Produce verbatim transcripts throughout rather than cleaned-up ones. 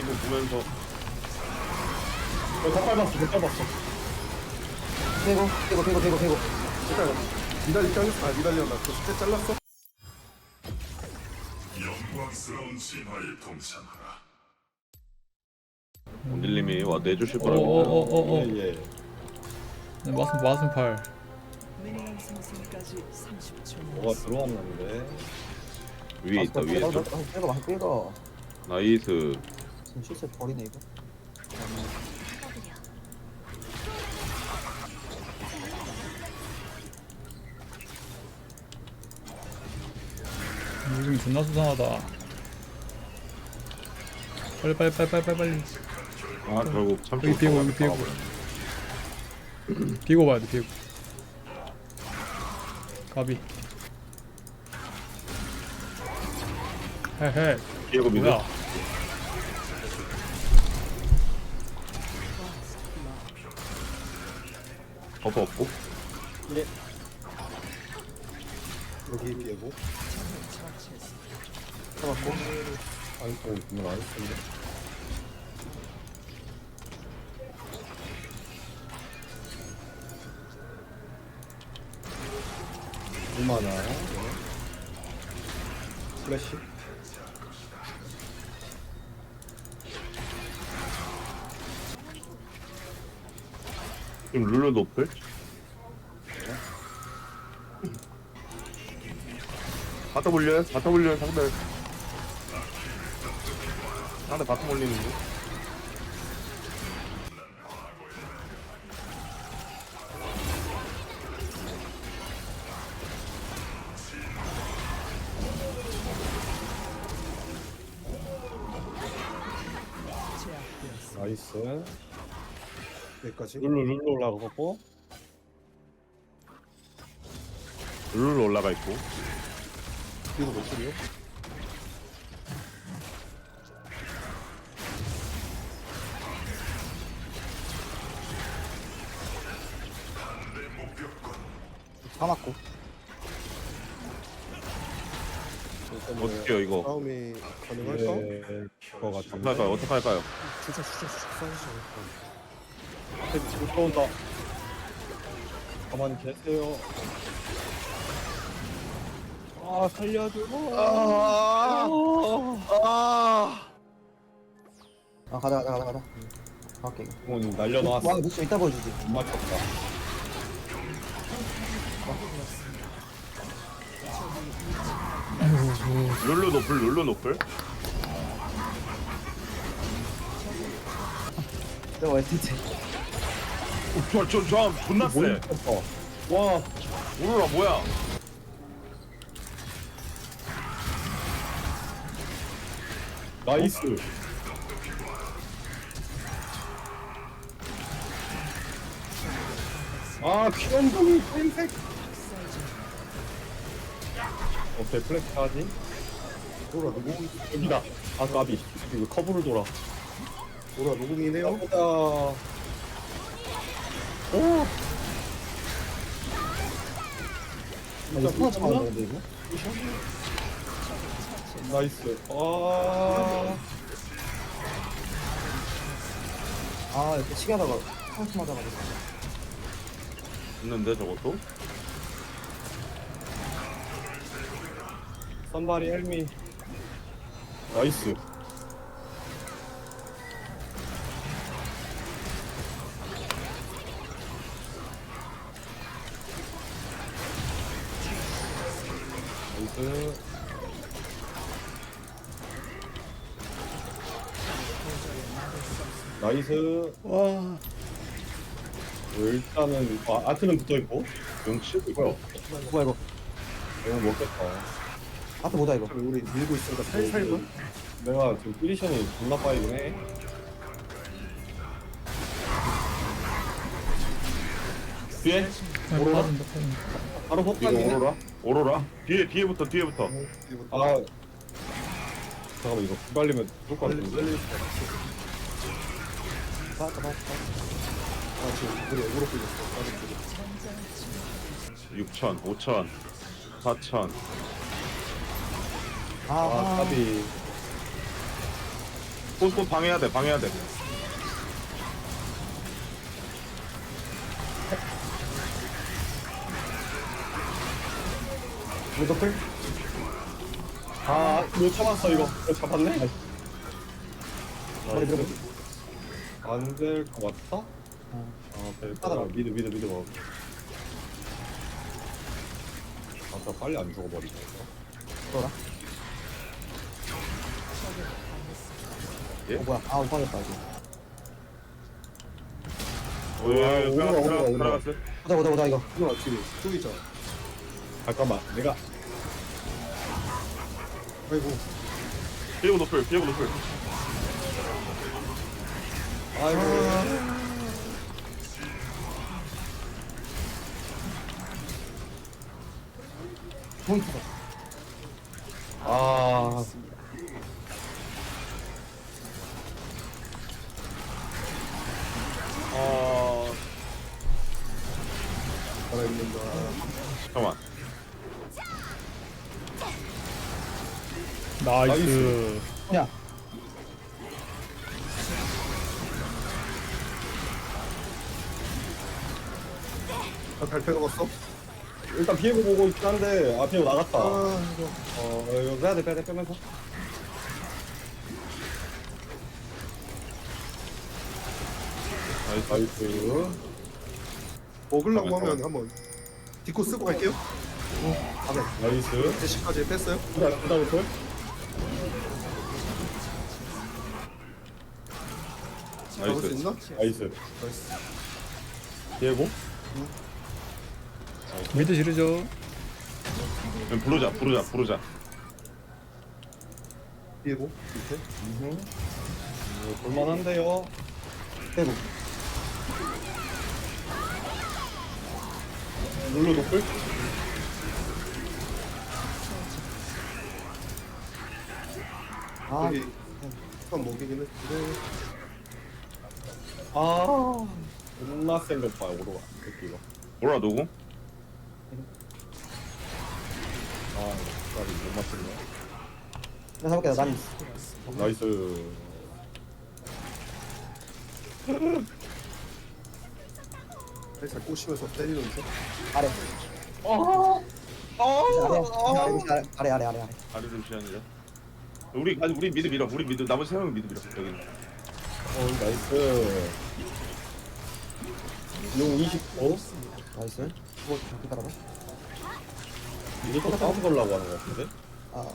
웨이브 보면서 어, 다 밟았어, 다 밟았어. 대고 대고 대고 대고 대고. 일단 미달리 잘렸어. 아 미달리였나? 그 스탯 잘랐어? 영광스러운 진화에 동참하라. 원딜님이 와 내주실 거라고. 어어어어어 예, 예. 마슴 마슴팔. 미니언 생성까지 삼십 초 뭐가 들어왔는데. 위에 있다 위에 있다. 빼고 막 빼고. 나이스. 지금 실수 버리네 이거. 요즘 존나 수상하다. 빨리 빨리 빨리 빨리 빨리 빨리. 아 결국 참. 여기 비고 여기 비고. 비고 봐야 돼 비고. 가비. 헤헤. 비고 미드. 뭐야? 버프 없고. 예. 여기 비고. 잡았고. 아니, 또 분명 안 했는데. 얼마나? 네. 플래시. 지금 룰루 노플. 바텀 올려요? 바텀 올려요 상대. 상대 바텀 올리는 거. 나이스. 여기까지. 룰루, 룰루 올라가고. 룰루 올라가 있고. 그리고 노출이요? 다 맞고. 어떻게요 이거? 싸움이 가능할까? 네, 그거 어떻게 같은데. 할까요? 어떻게 할까요? 진짜 진짜 진짜 싸우시죠. 앞에 지금 들어온다. 가만히 계세요. 아, 살려줘. 아, 아. 아 가자 가자 가자 가자. 갈게. 부모님 날려놨어. 와 무슨 이따 보여주지. 못 맞췄다. 룰루 노플 룰루 노플. 내가 했지. 저저저 존나 세. 못 맞췄다. 와, 오로라 뭐야? 나이스. 아, 귀염둥이 흰색. 어때, 플렉스 하지? 돌아 누구? 여기다. 아, 까비. 이거 커브를 돌아. 돌아 누구이네요? 보다. 오! 아, 이거 스나 잡아야 되는데 이거. 나이스. 아, 아 이렇게 치게 하다가 카운트 맞아가지고. 있는데 저것도? 선발이 헬미. 나이스. 나이스. 나이스. 와. 일단은 아, 아트는 붙어 있고 용치 이거 뭐야 이거. 내가 먹겠다. 앞에 뭐다 이거. 우리 밀고 있으니까 살살 봐. 내가 지금 피리션이 존나 빠이긴 해. 뒤에 아, 오로라? 빠진다 빠진다. 바로 이거 폭탄이네. 오로라? 오로라? 뒤에 뒤에부터 뒤에부터. 아 잠깐만 이거 기발리면 죽을 것 빨리 같은데. 빨리. 맞다 맞다. 아 지금 우리 애구로 끌렸어. 육천, 오천, 사천. 아, 아 아 까비. 꽃꽃 방해해야 돼 방해해야 돼. 무조건. 아못 참았어 이거. 이거 잡았네. 머리 들어가. 안될 것 같다. 아 될 거다. 미드 미드 미드 먹어. 아까 빨리 안 죽어버리네. 들어라. 예? 어 뭐야? 아 못하겠다 이거. 오예 오라, 오라, 오라. 들어갔어. 보자 보자 보자 이거. 이거 뒤에 저기 있잖아. 잠깐만 내가 아이고. 비에고 노플 비에고 노플. 아이고 포인트다. 아 어 살아있는다. 잠깐만. 나이스. 야. 나 달패 먹었어? 일단 비에고 보고 있긴 한데 아 비에고 나갔다. 아 이거. 어 이거 빼야 돼 빼야 돼 빼면서. 나이스. 나이스. 먹으려고 하면 한번 디코 쓰고 갈게요. 나이스. 제시까지 뺐어요. 그다 그다부터. 잡을 수 나이스. 있나? 나이스. 나이스. 비에고. 미드 지르죠. 그럼 부르자 부르자 부르자. 비에고 밑에. 음. 볼만한데요. 빼고. 룰루 노플. 아 여기 한 먹이긴 했는데. 아 존나 센것 봐요 오로라 새끼가. 오라 누구? 아 까비 못 맞췄네. 내가 잡을게 난. 나이스. 살살 꼬시면서 때리는데. 아래. 아. 아래. 아래 아래 아래 아래. 아리 루시안이래. 우리 아니 우리 미드 밀어 우리 미드 나머지 세 명이 미드 밀어 여기는. 어 나이스. 용 이십 오. 나이스. 뭐 기다려봐. 이거 싸움 걸라고 하는 것 같은데? 아.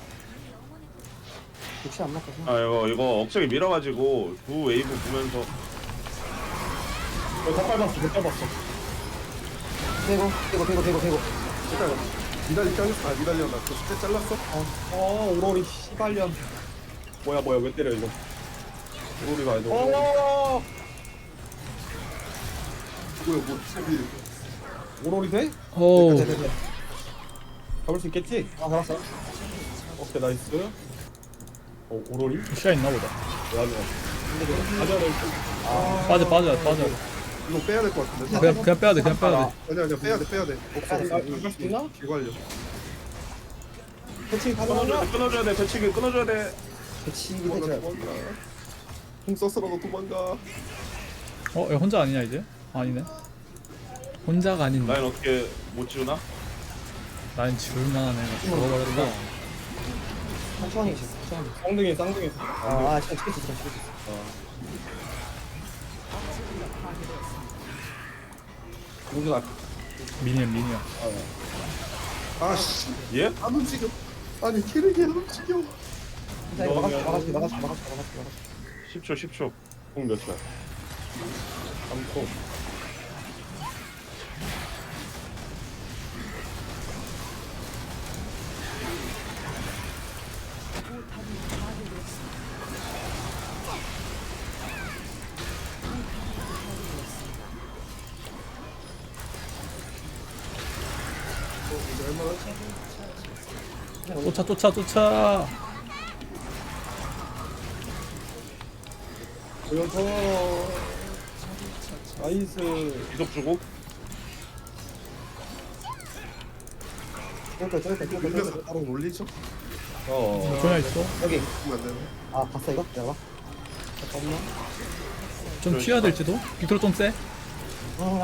혹시 안 맞거든. 아 이거 이거 억제기 밀어가지고 두 웨이브 보면서 어, 다 밟았어, 다 밟았어. 빼고 빼고 빼고 빼고 빼고. 일단 니달리 잘렸어. 아 니달리 나 그 스탯 잘랐어? 어, 오로리 씨발년. 뭐야, 뭐야, 왜 때려, 이거. 오로리가 아니고. 어. 뭐야 뭐 저기 오로리 돼? 오. 네, 네, 네. 잡을 수 있겠지? 아 잡았어. 오케이, 나이스. 어, 오로리? 시야 있나 보다. 맞아. 가져를. 빠져 빠져 빠져. 이거 빼야 될 것 같은데. 그냥 그냥 빼야 돼 그냥 빼야 돼. 아니야 아니야 빼야 돼 빼야 돼. 없어 없어. 할수 있나? 기관려. 패치 끊어줘야 가져가자. 돼 끊어줘야 돼 배치기 끊어줘야 돼. 패치 도망가 해줘야. 도망가. 공 썼어라도 도망가. 어, 얘 혼자 아니냐 이제? 아니네. 혼자가 아닌데. 라인 어떻게 못 지우나? 라인 지울만한 애가 죽어버렸다. 천천히 천천히. 쌍둥이, 쌍둥이. 아, 아, 시간 찍겠지, 시간 찍겠지. 누구나. 미니언 미니언. 아씨 예? 안 움직여. 아니 캐릭이 안 움직여. 자, 이거 막아줄게, 막아줄게, 막아줄게, 막아줄게, 막아줄게. 십 초 십 초. 공몇 초야? 삼 초. 쫓아 쫓아 쫓아. 보여서. 나이스. 이속 주고. 저기, 저기, 저기, 저기, 밀면서 저기. 바로 올리죠? 어. 전혀 있어. 여기. 그러면 안 되나? 아, 봤어, 이거? 내가 봐. 잠깐만. 좀 튀어야 될지도? 빅토르 좀 세? 아,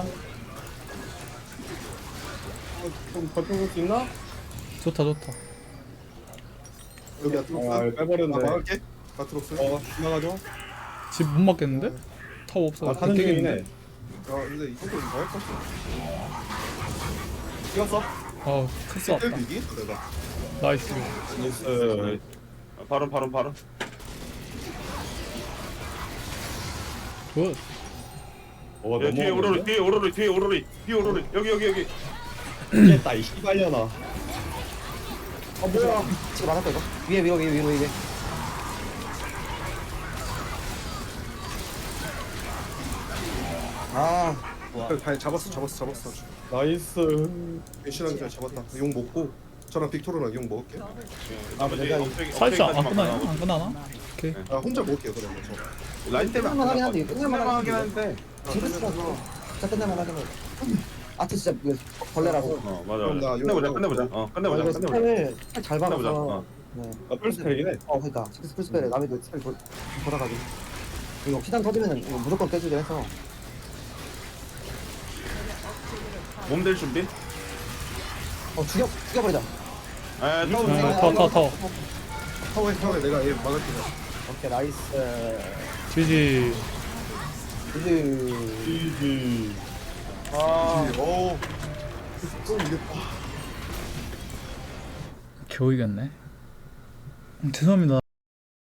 좀 버텨볼 수 있나? 좋다 좋다. 여기 아, 아트록스. 나 빼버렸네. 막을게. 아트록스. 어, 지나가죠? 집 못 맞겠는데? 타워 없어. 아, 가는 중이네. 아 근데 이것도 이거 할 거. 찍었어? 아우 크스 왔다. 텔 비기? 내가. 나이스. 나이스. 바론 바론 바론. 굿. 어, 야, 뒤에 오로리 뒤에 오로리 뒤에 오로리 뒤에 오로리 여기 여기 여기. 이겼다, 이 씨발년아. 어 뭐야? 지금 맞았다 이거. 위에 위로 위에 위로 위에. 아, 다 잡았어 잡았어 잡았어. 나이스. 배신하기 전에 잡았다. 용 먹고 저랑 빅토르랑 용 먹을게. 나머지 내가 억제기 사이즈 안 억제기까지만 끝나요? 나가고. 안 끝나나? 오케이. 아 혼자 먹을게요 그러면 저. 라인 때문에 안 끝날만 하긴 끝날 한데, 것 같아. 끝날만 끝날만 하긴 하긴 한데. 징크스라서 진짜 끝낼만 하긴 해. 아트 진짜 이거 벌레라고. 어 맞아 그럼 나 맞아. 끝내보자 이거- 끝내보자. 어 아, 끝내보자 이거 끝내보자. 스펠을 잘 끝내보자. 박아서. 어. 네. 나 풀스펠이긴 해. 어, 그러니까 징크스 풀스펠에 남의 그 스펠 돌- 돌아가지고. 이거 시장 터지면은 이거 무조건 깨주게 해서. 몸될 준비. 어 죽여 죽여버리자. 에 타워 네. 아, 타워 타워 타워. 타워에 타워에 내가 얘 막을게. 오케이 나이스. 지지. 이즈. 이지. 아 오. 좀 이겼다. 겨우 이겼네. 음, 죄송합니다.